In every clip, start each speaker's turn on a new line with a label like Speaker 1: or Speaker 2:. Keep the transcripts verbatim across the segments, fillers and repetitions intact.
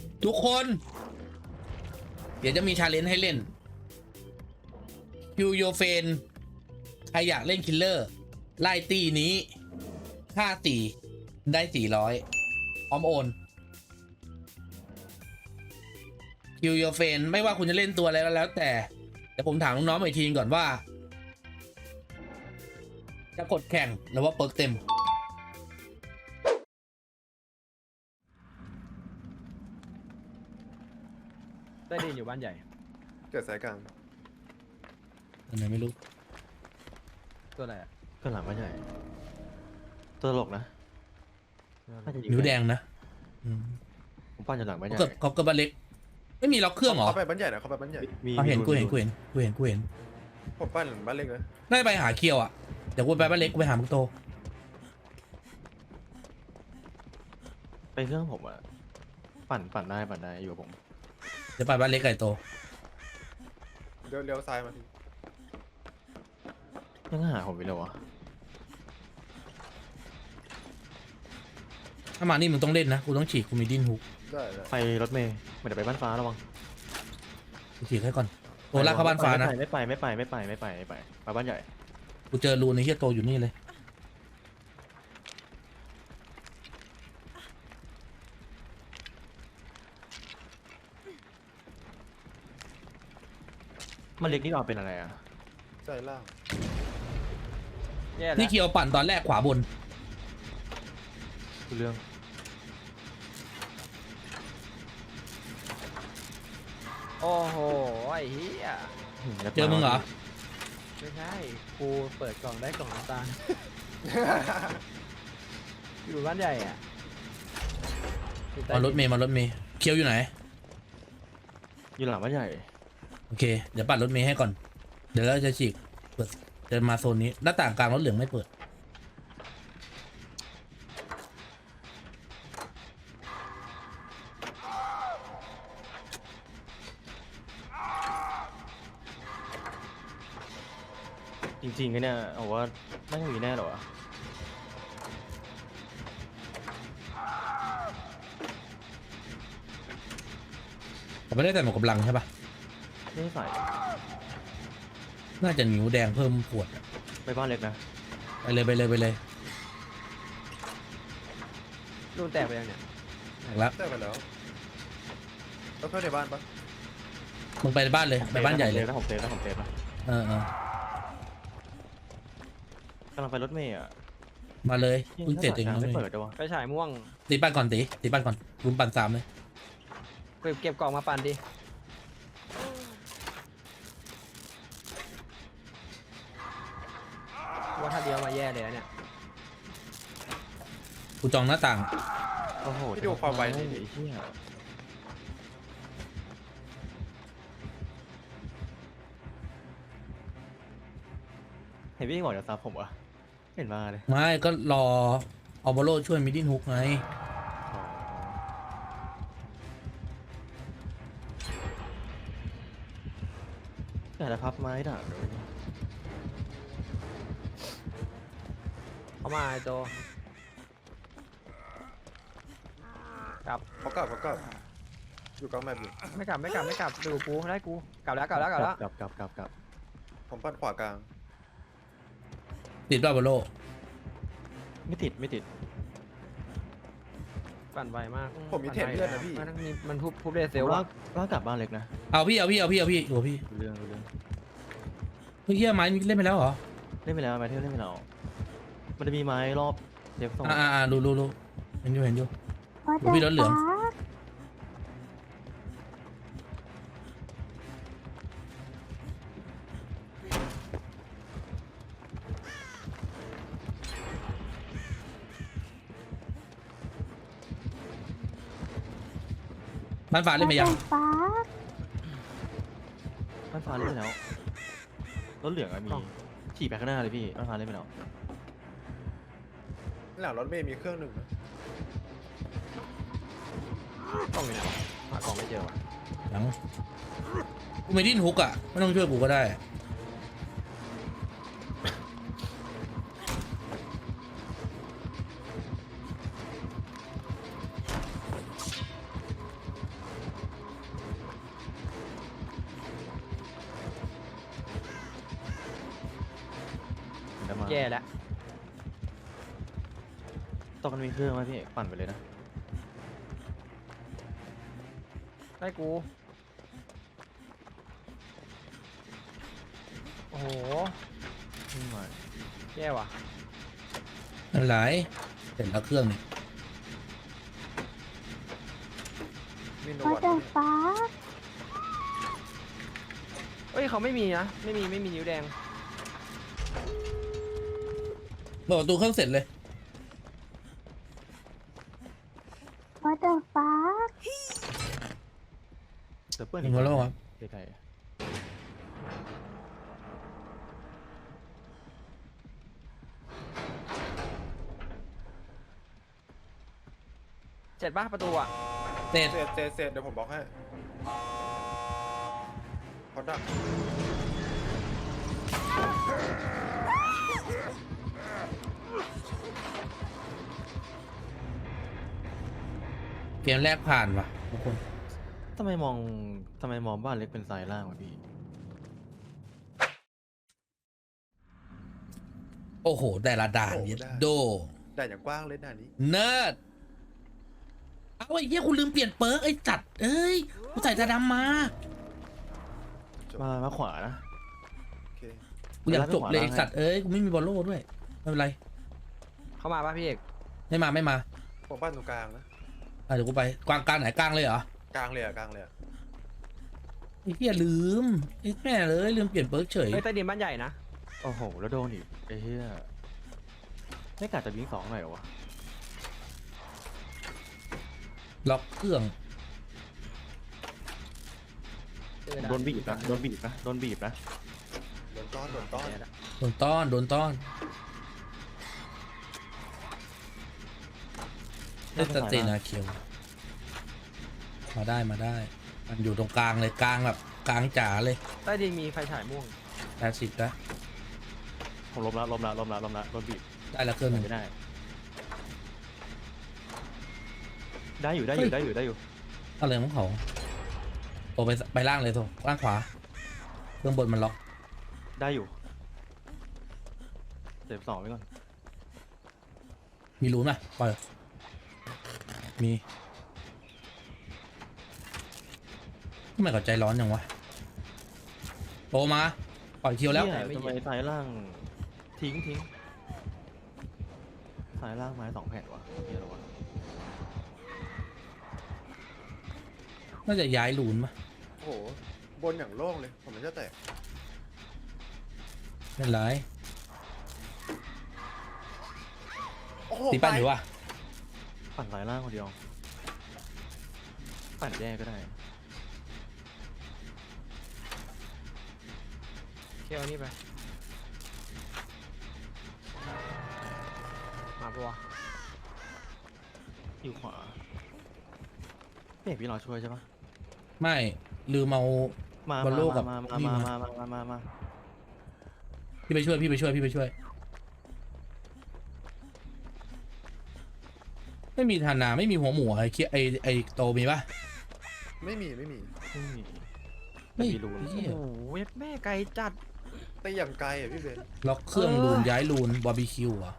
Speaker 1: ทุกคน เดี๋ยวจะมีชาเลนจ์ให้เล่นคิวโยเฟนใครอยากเล่นคิลเลอร์ไล่ตีนี้ค่าสี่ได้สี่ร้อยพร้อมโอนคิวโยเฟนไม่ว่าคุณจะเล่นตัวอะไรก็แล้วแต่เดี๋ยวผมถามน้องๆอีกทีก่อนว่า จะกดแข่งหรือว่าเปิร์กเต็ม
Speaker 2: ได้ดีอยู่บ้านใหญ่
Speaker 3: เกิดสายกลาง
Speaker 1: อันไหนไม่รู้
Speaker 2: ตัวอะไรอ่ะ
Speaker 4: ก็หลังบ้านใหญ่ตัวตลกนะ
Speaker 1: นิ้วแดงนะ
Speaker 4: ผมปั้นอยู่หลังบ้านใหญ่
Speaker 1: เขาเกิดเขาเกิดบ้านเล็กไม่มีล็อกเครื่องเหรอ
Speaker 3: เขาไปบ้านใหญ่นะเขาไปบ้านใหญ่
Speaker 1: เขาเห็นกูเห็นกูเห็นกูเห็นกูเห็น
Speaker 3: ผมปั้นบ้านเล็กนะ
Speaker 1: น่าจะไปหาเคียวอ่ะเดี๋ยวกูไปบ้านเล็กกูไปหามึงโต
Speaker 4: ไปเครื่องผมอะปั่นปั่นได้ปั่นได้อยู่กับผม
Speaker 1: เดี๋ยวไปบ้านเล็กไก่โต
Speaker 3: เลี้ยวเลี้ยวซ้ายมาที
Speaker 4: ยังหาผมไปเลยวะ
Speaker 1: ถ้ามานี่มึงต้องเล่นนะกูต้องฉีกกูมีดิ้นฮุก
Speaker 3: ได้ได้
Speaker 4: ไปรถเมย์ไม่ได้ไปบ้านฟ้าระวัง
Speaker 1: กูฉีกให้ก่อนโตลากเข้าบ้านฟ้านะ
Speaker 4: ไม่ไปไม่ไปไม่ไปไม่ไปไม่ไปไปบ้านใหญ่
Speaker 1: กูเจอรูในเฮียโตอยู่นี่เลย
Speaker 4: มันเล็กนี่เราเป็นอะไรอ่ะ
Speaker 3: ใจล่าง
Speaker 1: นี่เคียวปั่นตอนแรกขวาบน
Speaker 4: คือเรื่อง
Speaker 2: โอ้โหไอ้เหี้ย
Speaker 1: เจอมึงเหรอ
Speaker 2: ไม่ใช่กูเปิดกล่องได้กล่องน้ำตาลอยู่บ้านใหญ่อ่ะ
Speaker 1: มารถเมย์มารถเมย์เคียวอยู่ไหน
Speaker 4: อยู่หลังบ้านใหญ่
Speaker 1: โอเคเดี๋ยวปั่นรถเมย์ให้ก่อนเดี๋ยวเราจะฉีกเปิดจะมาโซนนี้หน้าต่างกลางรถเหลืองไม่เปิด
Speaker 4: จริงๆเนี่ยเอาว่าไม่มีแน่หรอ
Speaker 1: แต่ไม่ได้แต่หมวกกำลังใช่ปะ
Speaker 4: ไม่ใส่
Speaker 1: น่าจะนิ้วแดงเพิ่มปวด
Speaker 4: ไปบ้านเล็กนะ
Speaker 1: ไปเลยไปเลยไปเลย
Speaker 2: รูนแตกไปยังเนี่ย
Speaker 1: แตกแล้ว
Speaker 3: แตกไปแล้วแล้วเพื่อนในบ้านปะ
Speaker 1: มึงไปบ้านเลยไปบ้านใหญ่เลย
Speaker 4: แล้วผมเซฟแล้วผมเซฟแล้ว
Speaker 1: เออเอ
Speaker 4: อกำลังไปรถเมย์อ่ะ
Speaker 1: มาเลยเพิ่งเสร็จเอง
Speaker 4: ไม่เปิดด้วยวะ
Speaker 2: ไปฉายม่วง
Speaker 1: ตีปั้นก่อนตีตีปั้นก่อนรุมปั่นสามเลย
Speaker 2: เก็บเก็บกล่องมาปั่นดิว่าถ้าเดียวมาแย่เลยเนี่ย
Speaker 1: กูจองหน้าต่าง
Speaker 4: โอ้โห
Speaker 3: ที่ดูความไวนี่
Speaker 4: เห็นพี่บอกจะซับผมวะเห็นมาเลย
Speaker 1: ไม่ก็รอออบโลช่วยมิดดิ้นฮุกไง
Speaker 4: แต่ละพับไม้ด่าเลย
Speaker 2: เขามาไอ้โตกลับ
Speaker 3: เขากลับเขากลับอยู่กลางแมปอยู่
Speaker 2: ไม่กลับไม่กลับไม่กลับดูกูได้กูกลับแล้วกลับแล้วกลับแล้ว
Speaker 4: กลับกลับกลับกลับ
Speaker 3: ผมปั้นขวากลาง
Speaker 1: ติดด้วยออบโล
Speaker 4: ไม่ติดไม่ติด
Speaker 2: ปั่นไวมาก
Speaker 3: ผมมีเทปเลือดนะพี่
Speaker 2: มันมีมันทุบทุบเรเซล
Speaker 4: ว่าว่ากลับบ้านเล็กนะ
Speaker 1: เอาพี่เอาพี่เอาพี่เอาพี่โอ้พี่
Speaker 4: เรื่องเรื่อง
Speaker 1: เฮ้ยไม้เล่นไปแล้วเหรอ
Speaker 4: เล่นไปแล้วไม้เที่ยวเล่นไปแล้วมันจะมีไม้รอบเซฟโซน
Speaker 1: อ่ารู้รู้รู้เห็นอยู่เห็นอยู่ดูพี่รถเหลืองบ้านฟ้าเล่นไปยัง
Speaker 4: บ้านฟ้าเล่นไปแล้วรถเหลืองอะมีขี่ไปข้างหน้าเลยพี่บ้านฟ้าเล่นไปแล้ว
Speaker 3: หลังรถเมย์มีเครื่องหนึ่งนะ
Speaker 2: กล่องอยู่ไหนวะหากล่องไม่เจอวะ
Speaker 1: หลังกูไม่ดิ้นฮุกอ่ะไม่ต้องช่วยกูก็ได้
Speaker 2: แย่แล้ว
Speaker 4: ตอนมันมีเครื่องไหมพี่ปั่นไปเลยนะ
Speaker 2: ได้กูโอ้โห
Speaker 4: ไม่ไหว
Speaker 2: แย่ว่ะ
Speaker 1: อะไรเสร็จแล้วเครื่องนี่
Speaker 3: มีโน
Speaker 5: What
Speaker 3: วัต
Speaker 5: the fuck
Speaker 2: เอ้ยเขาไม่มีนะไม่มีไม่มีนิ้วแดง
Speaker 1: เปิดประตูเครื่องเสร็จเลย
Speaker 5: What the fuck
Speaker 4: เดี๋ยวเปิ้ล
Speaker 1: มีคนแล้วครับ
Speaker 4: ไกล
Speaker 2: เสร็จปะประตูอ่ะ
Speaker 1: เสร็จ
Speaker 3: เสร็จเสร็จเสร็จเดี๋ยวผมบอกให้เขาดัก
Speaker 1: เกมแรกผ่านว่ะทุกคน
Speaker 4: ๆทำไมมองทำไมมองบ้านเล็กเป็นทรายล่างวะพี่
Speaker 1: โอ้โห แต่ละด่านเย็ดโด
Speaker 3: ได้อย่างกว้างเลยหน้านี้
Speaker 1: เนิร์ดเอาไอ้เหี้ยคุณลืมเปลี่ยนเปิร์กไอ้จัดเอ้ยกูใส่ตาดำมา
Speaker 3: จบ
Speaker 4: มามาขวานะ
Speaker 3: โอเค
Speaker 1: กูอยากจบเลยไอ้สัตว์เอ้ยกูไม่มีบอลโล่ด้วยไม่เป็นไร
Speaker 2: เข้ามาปะพี่เอก
Speaker 1: ไม่มาไม่มา
Speaker 3: ผมบ้านตรงกลางนะ
Speaker 1: อ่ะเดี๋ยวกูไปกลางกลางไหนกลางเลยเหรอก
Speaker 3: ลางเลยอะกลางเลยอะ
Speaker 1: ไอ้เหี้ยลืมไอ้แม่เลยลืมเปลี่ยนเปิร์กเฉย
Speaker 2: เฮ้ยใต้ดินบ้านใหญ่นะ
Speaker 4: โอ้โหแล้วโดนอีกไอ้เหี้ยไม่กะจะวิ่งสองหน่อยเหรอวะ
Speaker 1: ล็อกเครื่อง
Speaker 2: เจอ
Speaker 4: โดนบีบนะโดนบีบนะโดนบีบนะ
Speaker 3: โดนต้อนโดนต้อน
Speaker 2: แย่ละ
Speaker 1: โดนต้อนโดนต้อนเล่นสเตนาเคียวมาได้มาได้ มันอยู่ตรงกลางเลยกลางแบบกลางจ๋าเลย
Speaker 2: ใต้ดินมีไฟฉายม่วง
Speaker 1: แปดสิบนะ
Speaker 4: ผมล้มละล้มละล้มละล้มละโดนบีบ
Speaker 1: ได้แล้วเครื่องหนึ่ง
Speaker 4: ไม่ได้ ได้อยู่ได้อยู่ได้อยู่ได้อยู่
Speaker 1: อะไรของเขาโตไปไปล่างเลยโตล่างขวาเครื่องบนมันล็อก
Speaker 4: ได้อยู่เจ็บสองไว้ก่อน
Speaker 1: มีรูนไหมปล่อยมีทำไมเขาใจร้อนอย่างวะโตมาปล่อยคิวแล้ว
Speaker 4: เนี่ยทำไมสายล่างทิ้งทิ้งสายล่างไม้สองแผ่นวะเฮียเหรอวะ
Speaker 1: น่าจะย้ายรูนมะ
Speaker 3: โอ้โหบนอย่างโล่งเลยผมมันจะแตก
Speaker 1: ไม่เป็นไร
Speaker 3: โอ้โห
Speaker 1: ตีปั้นอยู่วะ
Speaker 4: ปั่นสายล่างคนเดียวปั่นแยกก็ได้
Speaker 2: เคี่ยวนี่ไปมาปะวะ
Speaker 4: อยู่ขวาพี่เอกพี่รอช่วยใช่ปะ
Speaker 1: ไม่ลืมเอา
Speaker 4: มา
Speaker 1: บอลโลกกับ
Speaker 4: มามา
Speaker 1: พี่
Speaker 4: มา
Speaker 1: มา
Speaker 4: มามามามา
Speaker 1: พี่ไปช่วยพี่ไปช่วยพี่ไปช่วย ไม่มีธนาไม่มีหัวหมูไอ้เคียไอ้ไอ้โตมีปะ
Speaker 3: ไม่มีไม่มี
Speaker 4: ไม่มี
Speaker 1: ไม่
Speaker 4: มีรูน
Speaker 1: เหี้ย
Speaker 2: โอ้โหเว็บแม่ไกลจัด
Speaker 3: ตีอย่างไกลอะพี่เบน
Speaker 1: ล็อกเครื่อง
Speaker 2: เออ
Speaker 1: รูนย้ายรูนบาร์บีคิวอ่ะ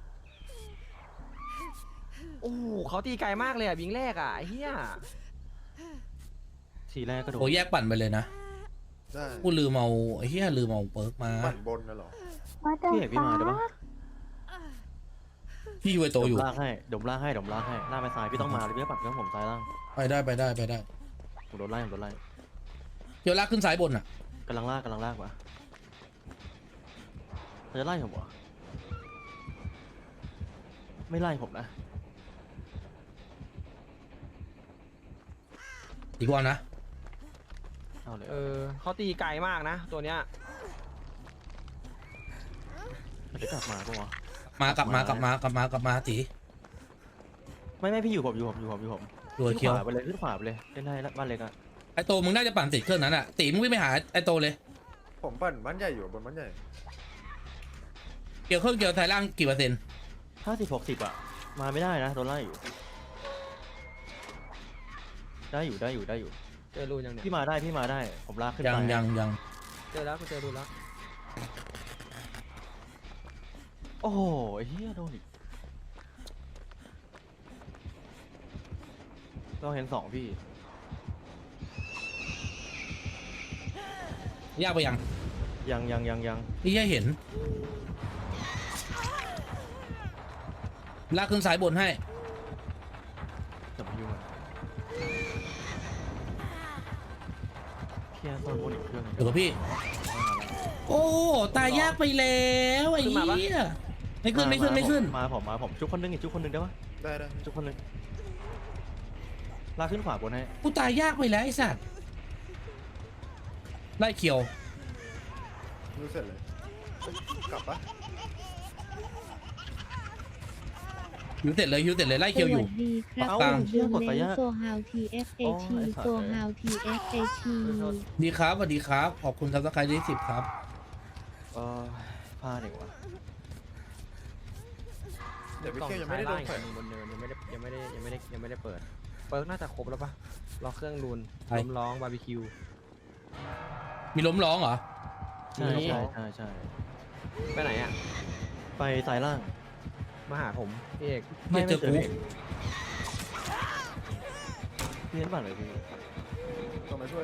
Speaker 2: โอ้โหเขาตีไกลมากเลยอ่ะบิงแรกอ่ะไอ้เฮีย
Speaker 4: ทีแรกก็โดน
Speaker 1: โอ้แยกปั่นไปเลยนะ
Speaker 3: ได้
Speaker 1: กูลืมเอาไอ้เหี้ยลืมเอาเปิร์กมา
Speaker 3: ปั่นบนนะเหรอ
Speaker 5: What the
Speaker 4: พี่เอกพี่มาเดี๋ยวปะ
Speaker 5: fuck
Speaker 1: พี่อยู่ไอโต
Speaker 4: เดี๋
Speaker 1: อ
Speaker 4: ยว
Speaker 1: ยู่
Speaker 4: ลากให้เดี๋ยวลากให้เดี๋ยวลากให้ลากไปซ้ายพี่ต้องมาเลยพี่ต้องปั่นเครื่องผมซ้ายล่าง
Speaker 1: ไปได้ไปได้ไปได้
Speaker 4: ผมโดนไล่ผมโดนไล่
Speaker 1: เดี๋ยวลากขึ้นซ้ายบนอ่ะ
Speaker 4: กำลังลากกำลังลากวะเขาจะไล่ผมวะไม่ไล่ผมนะ
Speaker 1: อีกวันนะ
Speaker 4: เอาเลย
Speaker 2: เออเขาตีไกลมากนะ ตัวเนี้ย
Speaker 4: เดี๋ยวกลับมาปะวะ
Speaker 1: มากลับมากลับมากลับมากลับมาตี
Speaker 4: ไม่ไม่พี่อยู่ผมอยู่ผมอยู่ผมอยู่ผม
Speaker 1: ตัว
Speaker 4: ขึ้น
Speaker 1: เคียว
Speaker 4: ขวาไปเลยขึ้นขวาไปเลยเล่นได้แล้วบ้านเล็กอะ
Speaker 1: ไอโตมึงน่าจะปั่นติดเครื่องนั้นอ่ะตีมึงวิ่งไปหาไอโตเลย
Speaker 3: ผมปั่นบ้านใหญ่อยู่บนบ้านใหญ่
Speaker 1: เกี่ยวเครื่องเกี่ยวไทยล่างกี่เปอร์เซ็นต์
Speaker 4: ห้าสิบหกสิบอะมาไม่ได้นะโดนไล่อยู่ ได้อยู่ได้อยู่ได้อยู่
Speaker 2: เจอรูนยังเนี่ย
Speaker 4: พี่มาได้พี่มาได้ผมลากขึ้น
Speaker 1: ยัง
Speaker 4: ไป
Speaker 1: ยังยัง
Speaker 2: เจอแล้วกูเจอรูนแล้ว
Speaker 4: โอ้โหไอ้เหี้ยโดนอีกเราเห็นสองพี่
Speaker 1: ยากไปยัง
Speaker 4: ยังยังยังยัง
Speaker 1: พี่แค่เห็นลากขึ้นสายบนให้
Speaker 4: จะมายุ่งอะเพียร์ตอนบนอีกเครื่องหนึ่ง
Speaker 1: เดี๋ยวกับพี่ โอ้ตายยากไปแล้วไอ้เหี้ยไม่ขึ้นไม่ขึ้นไม่ขึ้น
Speaker 4: มาผมมาผมจุกคนนึงอีกจุกคนนึงได้ปะ
Speaker 3: ได้ได้
Speaker 4: จุกคนนึงลากขึ้นขวาบนให้
Speaker 1: กูตายยากไปแล้วไอ้สัตว์ไล่เขียว
Speaker 3: รู้เสร็จเลยเอ้ยกลับปะ
Speaker 1: หิวเสร็จเลยหิวเสร็จเลยไล่เขียวอยู่
Speaker 5: สวัสดีครับ
Speaker 1: เอา
Speaker 5: ผมเรื่องเล่นโซฮาวทีเอฟเอทีโซฮาวทีเอฟเอที
Speaker 1: ดีครับสวัสดีครับขอบคุณครับสักใครที่สิบครับ
Speaker 4: เออพลาดอีกว่ะ
Speaker 3: เดี๋ยวพี่เคียวยังไม่ได้โดนแขวน
Speaker 2: บนเนินยังไม่ได้ยังไม่ได้ยังไม่ได้ยังไม่ได้เปิดเปิร์กน่าจะครบแล้วปะรอเครื่องรูน
Speaker 1: ใช่
Speaker 2: ล้มร้องบาร์บีคิว
Speaker 1: มีล้มร้องเหรอ
Speaker 4: ใช่
Speaker 2: มี
Speaker 4: ใช่ใช่ใช่
Speaker 2: ไปไหนอ่ะ
Speaker 4: ไปสายล่าง
Speaker 2: มาหาผมพี่เอก
Speaker 1: ไม่เจอกู
Speaker 4: พี่เห็นบ้านเลยพี่
Speaker 3: ต้องมาช่วย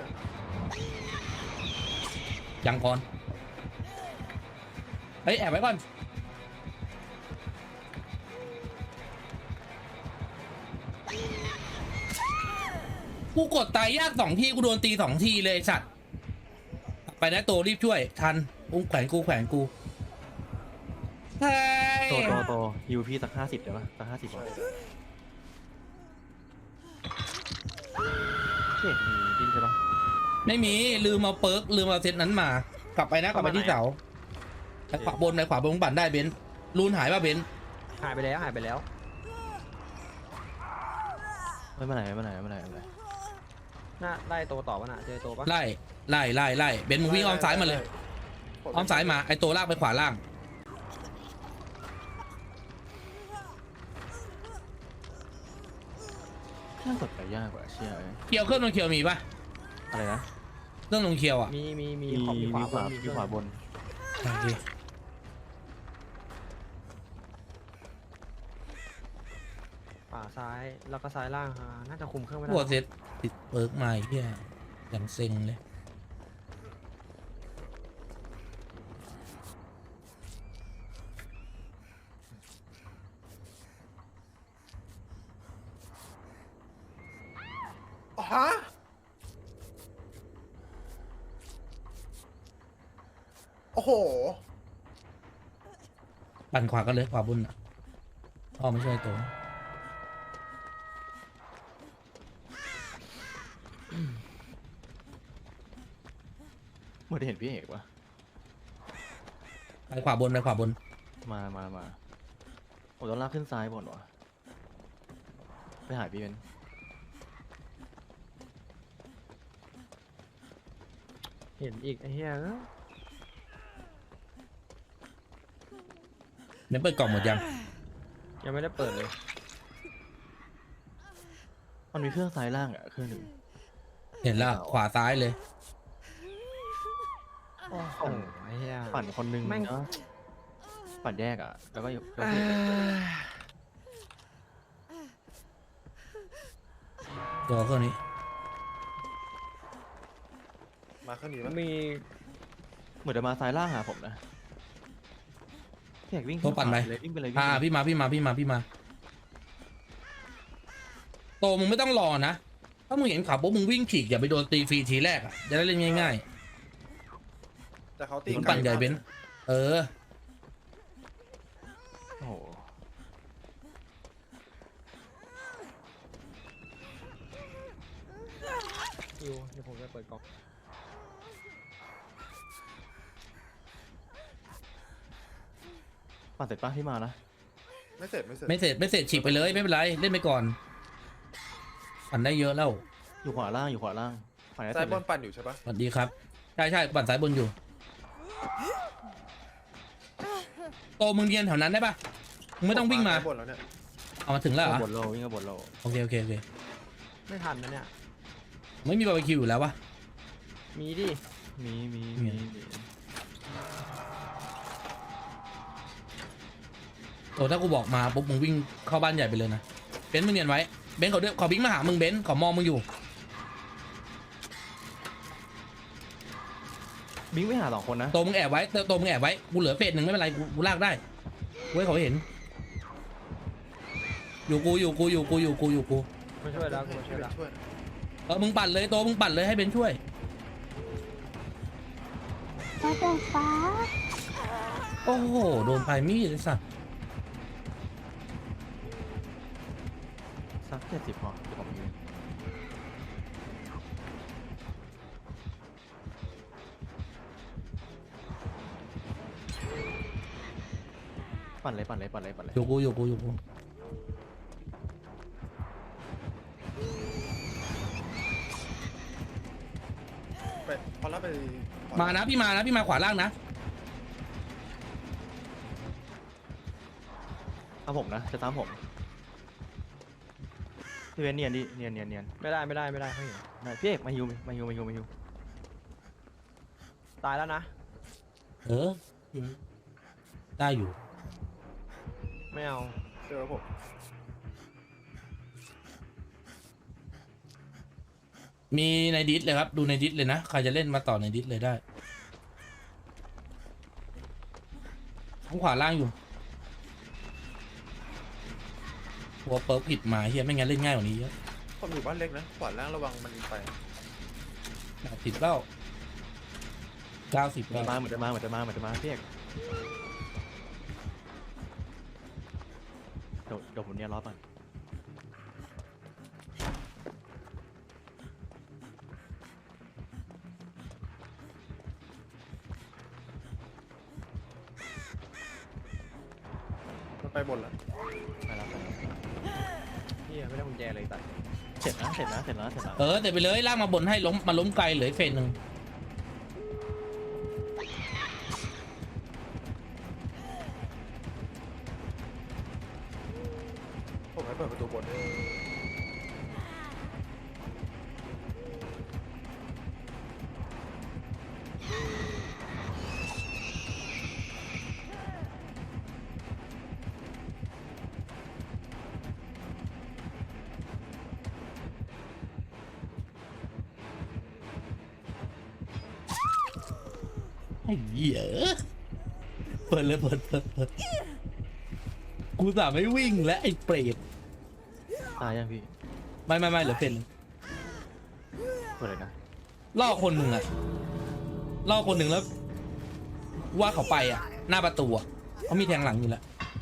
Speaker 1: ยังก่อนเฮ้ยแอบไว้ก่อนกูกดตายยากสองทีกูโดนตีสองทีเลยไอ้สัตว์ไปนะโตรีบช่วยทันอุ้งแขวนกูแขวนกูเฮ้ย
Speaker 4: โตโตโตยูพี่สักห้าสิบได้ปะสักห้าสิบ
Speaker 3: ใช่
Speaker 4: วะ
Speaker 3: ได้
Speaker 4: พี่เอกมีดินใช่ปะ
Speaker 1: ไม่มีลืมเอาเปิร์กลืมเอาเซตนั้นมากลับไปนะกลับไปที่เสาไปขวาบนไปขวาบนมึงปั่นได้เบนซ์รูนหายป่ะเบนซ์
Speaker 2: หายไปแล้วหายไปแล้ว
Speaker 4: ไม่เป็นไรไม่เป็นไรไม่เป็นไรไม่เป็นไร
Speaker 2: น่าไล่โตต่อปะน่ะเจอโตปะ
Speaker 1: ไล่ไล่ไล่ไล่เบนซ์มึงวิ่งอ้อมซ้ายมาเลยอ้อมซ้ายมาไอตัวลากไปขวาล่าง
Speaker 4: น่ากดไปยากกว่าเชี่ยเอ้ย
Speaker 1: เคียวเครื่องลงเคียวมีป่ะ
Speaker 4: อะไรนะ
Speaker 1: เครื่องลงเคียวอ่ะ
Speaker 2: มีมีมี
Speaker 4: มี
Speaker 2: ขอบมีขวา
Speaker 4: มีขวา
Speaker 2: บน
Speaker 4: มีขวาบน
Speaker 1: โอเค
Speaker 2: ขวาซ้ายแล้วก็ซ้ายล่างฮะน่าจะคุมเครื่องไม่ได้
Speaker 1: หัวเซตติดเปิร์กมาไอ้เฮียอย่างเซ็งเลย
Speaker 3: อ๋อฮะโอ้โห
Speaker 1: ปั่นขวากันเลยขวาบนอ่ะอ้อไม่ช่วยตัว
Speaker 4: เมื่อได้เห็นพี่เอกปะ
Speaker 1: ไปขวาบนไปขวาบน
Speaker 4: มามามาผมต้องลากขึ้นซ้ายบนวะไปหาพี่เป็น
Speaker 2: เห็นอีกไอ้เหี้ยเอ้ย
Speaker 1: เบนซ์เปิดกล่องหมดยัง
Speaker 2: ยังไม่ได้เปิดเลย
Speaker 4: มันมีเครื่องซ้ายล่างอะเครื่องหนึ่ง
Speaker 1: เห็นแล้วขวาซ้ายเลย
Speaker 2: โอ้โหไอ้เหี้ย
Speaker 4: ปั่นคนหนึง
Speaker 2: แม่ง
Speaker 4: เนาะปั่นแยกอะแล้วก็อยู่แล้ว
Speaker 2: เอ้
Speaker 4: พี่เอก
Speaker 2: ย
Speaker 1: ตัวเครื่องนี้
Speaker 3: มาข้างนี้ปะ
Speaker 2: มี
Speaker 4: เหมือนจะมาซ้ายล่างหาผมนะพี่เอกวิ่ง
Speaker 1: ตัวปั่นไป
Speaker 4: เลยวิ่งไปเลยวิ่ง
Speaker 1: อ่า
Speaker 4: ไปเลย
Speaker 1: พี่มาพี่มาพี่มาพี่มาโตมึงไม่ต้องรอนะถ้ามึงเห็นขับปุ๊บมึงวิ่งฉีกอย่าไปโดนตีฟรีทีแรกอ่ะจะได้เล่นง่าย
Speaker 3: แต่เขาตี
Speaker 1: ๆมึงปั่นใหญ่เบนซ์เออ
Speaker 4: โอ้โห
Speaker 2: อยู่เดี๋ยวผมจะเปิดกล่อง
Speaker 4: ปั่นเสร็จปะที่มานะ
Speaker 3: ไม่เสร็จไม่เสร็จ
Speaker 1: ไม่เสร็จไม่เสร็จฉีกไปเลยไม่เป็นไรเล่นไปก่อนปั่นได้เยอะแล้ว
Speaker 4: อยู่ขวาล่างอยู่ขวาล่างขวาได้
Speaker 3: ซ้า
Speaker 4: เสร็
Speaker 3: ย
Speaker 4: จ
Speaker 3: บ
Speaker 4: เล
Speaker 3: น
Speaker 4: ย
Speaker 3: ปั่นอยู่ใช่ปะ
Speaker 1: สวัสดีครับใช่ใช่ปั่นสายบนอยู่โตมึงเรียนแถวนั้นได้ปะมึงไม่ต้องวิ่งมา
Speaker 3: ซ้ยบนแล้วเนี่ย
Speaker 1: เอามาถึงแล้วเหร
Speaker 4: วิ่ง
Speaker 1: อ
Speaker 4: กับบนโลวิ่งกับบนโล
Speaker 1: โอเคโอเคโอเค
Speaker 2: ไม่ทันนะเนี่ย
Speaker 1: ไม่มีบาร์บีคิวอยู่แล้ววะ
Speaker 2: มีดิ
Speaker 4: มีมี
Speaker 1: มี
Speaker 4: มีมี
Speaker 1: โอ้ถ้ากูบอกมาปุ๊บมึงวิ่งเข้าบ้านใหญ่ไปเลยนะเบนซ์มึงเนียนไว้เบนซ์เขาเดินเขาวิ่งมาหามึงเบนซ์เขามองมึงอยู่
Speaker 4: บิงไม่หาสองคนนะ
Speaker 1: ตัวมึงแอบไว้ตัวตัวมึงแอบไว้กูเหลือเฟสหนึ่งไม่เป็นไรกูกูลากได้เว้ยเขาเห็นอยู่กูอยู่กูอยู่กูอยู่กูอยู่กู
Speaker 2: มาช่วยแล้วกูมาช่วยแล้ว
Speaker 3: ช่วย
Speaker 1: เออมึงปั่นเลยตัวมึงปั่นเลยให้เบนซ์ช่วย
Speaker 5: ฟ้าแต่ฟ้า
Speaker 1: โอ้โหโดนปลายมีดเลยสัส
Speaker 4: สักเจ็ดสิบพอเดี๋ยวผมยืนปั่นเลยปั่นเลยปั่นเลยปั่นเลย
Speaker 1: อยู่กูอยู่กูอยู่กู
Speaker 3: ไปพอแล้วไป
Speaker 1: มานะพี่มานะพี่มาขวาล่างนะ
Speaker 4: ตามผมนะจะตามผมพี่เวนเนียนดิเนียนเนียนเนียน
Speaker 2: ไม่ได้ไม่ได้ไม่ได้เขาเห็น
Speaker 4: ได้พี่เอกมาฮิวมาฮิวมาฮิวมาฮิว
Speaker 2: ตายแล้วนะ
Speaker 1: เออได้อยู่
Speaker 2: ไม่เอา
Speaker 3: เจอผม
Speaker 1: มีในดิสเลยครับดูในดิสเลยนะใครจะเล่นมาต่อในดิสเลยได้ทั้งขวาล่างอยู่หัวเปิร์กผิดมาเฮียไม่งั้นเล่นง่ายกว่านี้เยอะ
Speaker 3: ผมอยู่บ้านเล็กนะขวาล่างระวังมันไป
Speaker 1: แปดสิบเก้าเก้าสิบ
Speaker 4: เหมือนจะมาเหมือนจะมาเหมือนจะมาเหมือนจะมาพี่เอกเดี๋ยวเดี๋ยวผมเนียนรอบก่อน
Speaker 3: มันไปบนแล้ว
Speaker 4: ไปแล้วไปแล้ว
Speaker 2: พี่ไม่ได้กุญแจเลยตัด
Speaker 4: เสร็จนะเสร็จนะเสร็จแล้วเสร็จแล้ว
Speaker 1: เออแต่ไปเลยลากมาบนให้ล้มมาล้มไกลเหลืออกเฟสหนึ่ง
Speaker 3: ผมให้เปิดประตูบน
Speaker 1: ไอ้เหี้ยเปิดเลยเปิดเปิดเปิดกูสาไม่วิ่งและไอ้เปรต
Speaker 4: ตายยังพี่
Speaker 1: ไม่ไม่ไม่เหลือเฟสหนึ่ง
Speaker 4: เปิดเลยนะ
Speaker 1: ล่อคนหนึ่งอะล่อคนหนึ่งแล้ว ว่าเขาไปอะหน้าประตูอะเขามีแทงหลังอยู่แล้ว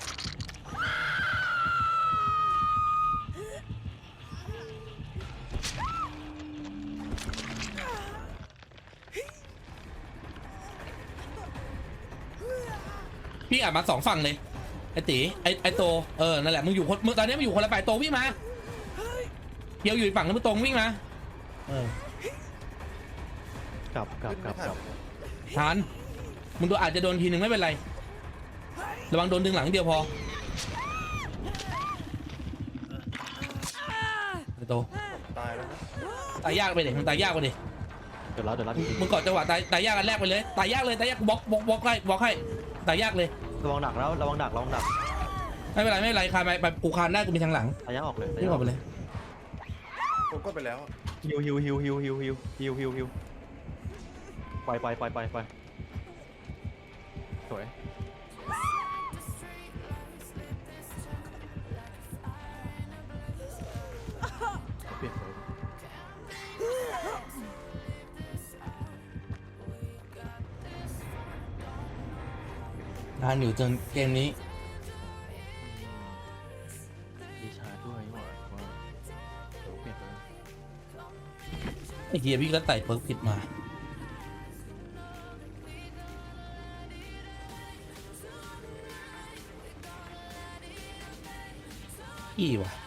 Speaker 1: พี่อ่านมาสองฝั่งเลยไอ้ตีไอ้ไอ้โตเออนั่นแหละมึงอยู่คนมึงตอนนี้มึงอยู่คนละฝ่ายโตวิ่งมาเพียวอยู่อีกฝั่งนึงมึงตรงวิ่งมาเออก
Speaker 4: ลับกลับ
Speaker 3: ขึ้น
Speaker 4: ก
Speaker 3: ไม่
Speaker 4: ลับ
Speaker 3: ทั
Speaker 4: กลับ
Speaker 3: น
Speaker 1: ทานมึงโดนอาจจะโดนทีหนึ่งไม่เป็นไรระวังโดนดึงหลังเดียวพอไอ้โต
Speaker 3: ตายแล้วนะ
Speaker 1: ตายยากไปดิมึงตายยากไปดิ
Speaker 4: เดี๋ยวแล้วเดี๋ยวแล้วพี่
Speaker 1: มึงกอดจังหวะตายตายยากกันแรกไปเลยตายยากเลยตายยากกูบล็อกบล็อกบล็อกให้บล็อกให้ตายยากเลย
Speaker 4: ระวังดักแล้วระวังดักระวังดัก
Speaker 1: ไม่เป็นไรไม่เป็นไรคานไปไปกูคานได้กูมีทางหลัง
Speaker 4: ระยะออกเลยระ
Speaker 1: นี่
Speaker 4: ยะ
Speaker 1: อ
Speaker 4: อ
Speaker 1: อ
Speaker 4: อก ก
Speaker 1: ไปเลย
Speaker 3: ผมก็ไปแล้ว
Speaker 4: ฮิวฮิวฮิวฮิวฮิวฮิวฮิวฮิวฮิวปล่อยปล่อยปล่อยปล่อยปล่อยสวยเปลี่ยนเลย
Speaker 1: ทานอยู่จนเกมนี้
Speaker 4: ดีชาร์จด้วยว่าว่าเดี๋ยวเปลี่ยนเลย
Speaker 1: ไอ้เฮียพี่ก็ไต่เปิร์กผิดมาอีว่ะ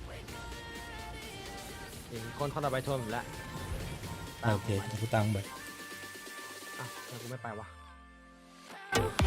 Speaker 2: เห็นคนเข้าต่อไปชนผมแล้ว
Speaker 1: โอเคกูตังไป
Speaker 2: อ่ะแล้วกูไม่ไปวะ